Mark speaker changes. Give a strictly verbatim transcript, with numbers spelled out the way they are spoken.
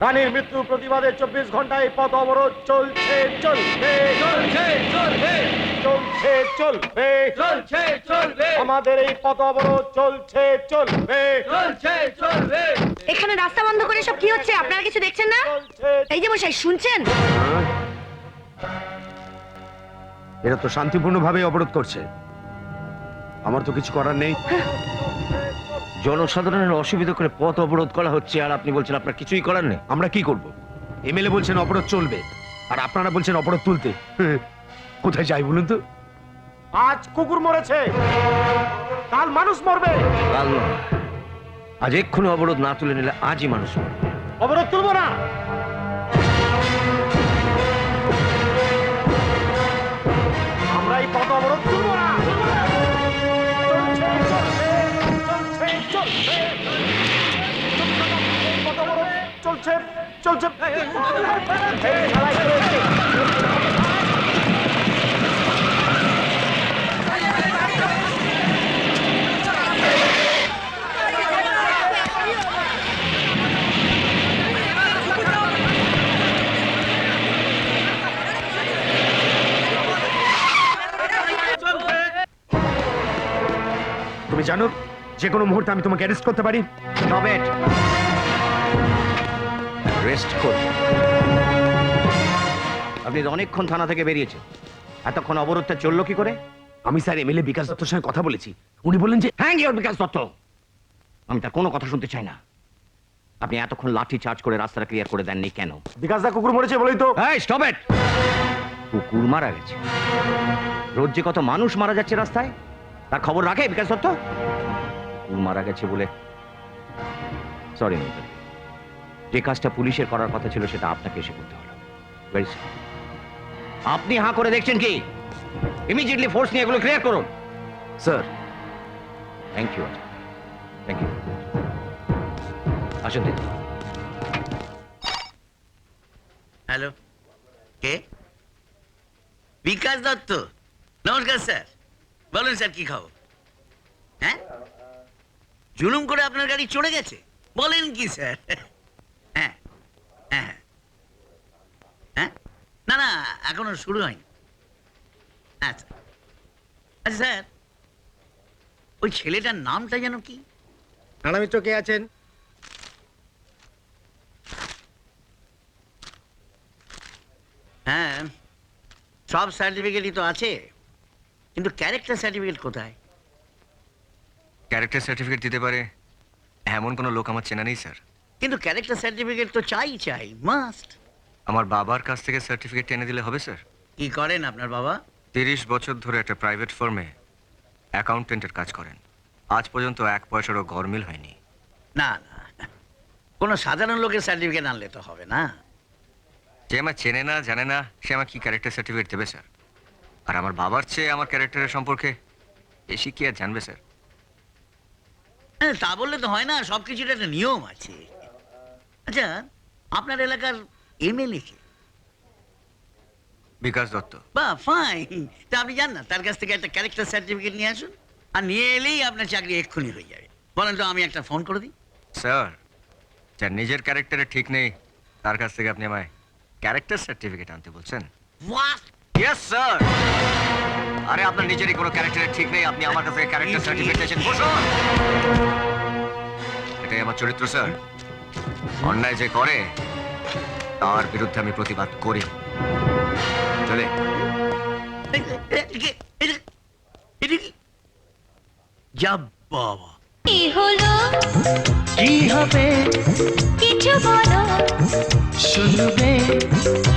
Speaker 1: রানীর মৃত্যু প্রতিবাদে চব্বিশ ঘন্টায় পথ অবরোধ চলছে চলবে
Speaker 2: চলছে চলবে
Speaker 1: চলছে চলবে
Speaker 2: চলছে চলবে
Speaker 1: আমাদের এই পথ অবরোধ চলছে চলবে
Speaker 2: চলছে চলবে।
Speaker 3: এখানে রাস্তা বন্ধ করে সব কি হচ্ছে আপনারা কিছু দেখছেন না?
Speaker 1: চলছে
Speaker 3: এই যে মশাই শুনছেন?
Speaker 4: এরা তো শান্তিপূর্ণভাবে অবরোধ করছে, আমার তো কিছু করার নেই।
Speaker 5: জনসাধারণের অসুবিধা করে পথ অবরোধ করা হচ্ছে আর আপনি বলছেন আপনার কিছুই করার নেই।
Speaker 4: আমরা কি করব? এমএলএ বলছেন অবরোধ চলবে আর আপনারা বলছেন অবরোধ তুলতে। কোথায় যাই বলুন তো?
Speaker 1: আজ কুকুর মরেছে, কাল মানুষ মরবে।
Speaker 5: কাল নয়, আজ এক্ষুনি অবরোধ না তুলে নিলে আজই মানুষ মরবে।
Speaker 1: অবরোধ তুলবো না। আমরা এই পথ অবরোধ তুলবো না। চলছে চলবে, চলছে চলছে পথ অবরোধ চলছে চলছে এই খেলায় চলছে।
Speaker 4: তুমি জানো যে কোনো মুহূর্তে আমি তোমাকে অ্যারেস্ট করতে পারি।
Speaker 5: নবেট রেস্ট করুন। আপনি তো অনেকক্ষণ থানা থেকে বেরিয়েছেন, এতক্ষণ অবরোধটা চললো কি করে?
Speaker 4: আমি স্যার এমএলএ বিকাশ দত্তর সঙ্গে কথা বলেছি, উনি বললেন যে
Speaker 5: হ্যাঁ গিয়ে বিকাশ দত্ত, আমি তার কোনো কথা শুনতে চাই না। আপনি এতক্ষণ লাঠি চার্জ করে রাস্তাটা ক্লিয়ার করে দেননি কেন?
Speaker 1: বিকাশ দা কুকুর মরেছে বলেই তো।
Speaker 5: এই স্টপ ইট! কুকুর মারা গেছে, রোজ যে কত মানুষ মারা যাচ্ছে রাস্তায়, তার খবর রাখে বিকাশ দত্ত? কুকুর মারা গেছে বলে সরি, যে কাজটা পুলিশের করার কথা ছিল সেটা আপনাকে এসে করতে হলো। Very sorry. আপনি হাঁ করে দেখছেন কি? ইমিডিয়েটলি ফোর্স নিয়ে এগুলো ক্লিয়ার করুন।
Speaker 4: Sir.
Speaker 5: Thank you, thank you. আসুন দিদি।
Speaker 6: হ্যালো, কে? বিকাশ দত্ত, নমস্কার স্যার। বলুন স্যার, কি খবর? হ্যাঁ, জুলুম করে আপনার গাড়ি চড়ে গেছে? বলেন কি স্যার? হ্যাঁ হ্যাঁ হ্যাঁ, না না, এখনো শুরু হয়নি। আচ্ছা আচ্ছা স্যার, ওই ছেলেটার নামটা যেন কি?
Speaker 1: রানামিত্র কে আছেন?
Speaker 6: হ্যাঁ, সব সার্টিফিকেটই তো আছে, কিন্তু ক্যারেক্টার সার্টিফিকেট কোথায়?
Speaker 7: ক্যারেক্টার সার্টিফিকেট দিতে পারে এমন কোনো লোক আমার চেনা নেই স্যার।
Speaker 6: কিন্তু ক্যারেক্টার সার্টিফিকেট তো চাই চাই, মাস্ট।
Speaker 7: আমার বাবার কাছ থেকে সার্টিফিকেট এনে দিলে হবে স্যার?
Speaker 6: কি করেন আপনার বাবা?
Speaker 7: তিরিশ বছর ধরে একটা প্রাইভেট ফার্মে অ্যাকাউন্টেন্টের কাজ করেন, আজ পর্যন্ত এক পয়সারও গরমিল হয়নি।
Speaker 6: না না, কোনো সাধারণ লোকের সার্টিফিকেট আনলে তো হবে না।
Speaker 7: যে আমার চেনে না জানে না, সে আমার কি ক্যারেক্টার সার্টিফিকেট দেবে স্যার? আর আমার বাবার চেয়ে আমার ক্যারেক্টারের সম্পর্কে বেশি কি আর জানবে স্যার?
Speaker 6: হ্যাঁ, তা বললে তো হয় না, সব কিছুর একটা নিয়ম আছে। আচ্ছা, আপনার এলাকার এমএলএ কে?
Speaker 7: বিকাশ দত্ত।
Speaker 6: বা ফাইন, তা আপনি জান না, তার কাছ থেকে একটা ক্যারেক্টার সার্টিফিকেট নিয়ে আসুন, আর নিয়ে এলেই আপনার চাকরি এক্ষুনি হয়ে যাবে। বলেন তো, আমি একটা ফোন করে দিই।
Speaker 7: স্যার, যার নিজের ক্যারেক্টারে ঠিক নেই তার কাছ থেকে আপনি আমায় ক্যারেক্টার সার্টিফিকেট আনতে বলছেন?
Speaker 6: হোয়াট?
Speaker 7: Yes sir. আরে আপনার নিজেরই কোনো ক্যারেক্টারে ঠিক নেই, আপনি আমার কাছে ক্যারেক্টার সার্টিফিকেট চাইছেন? বসুন। এটাই আমার চরিত্র স্যার। অন্যায় যে করে তার বিরুদ্ধে আমি প্রতিবাদ করি। চলে।
Speaker 6: যা বাবা,
Speaker 8: কি হলো,
Speaker 2: কি হবে
Speaker 8: কিছু বলো,
Speaker 2: শুনবে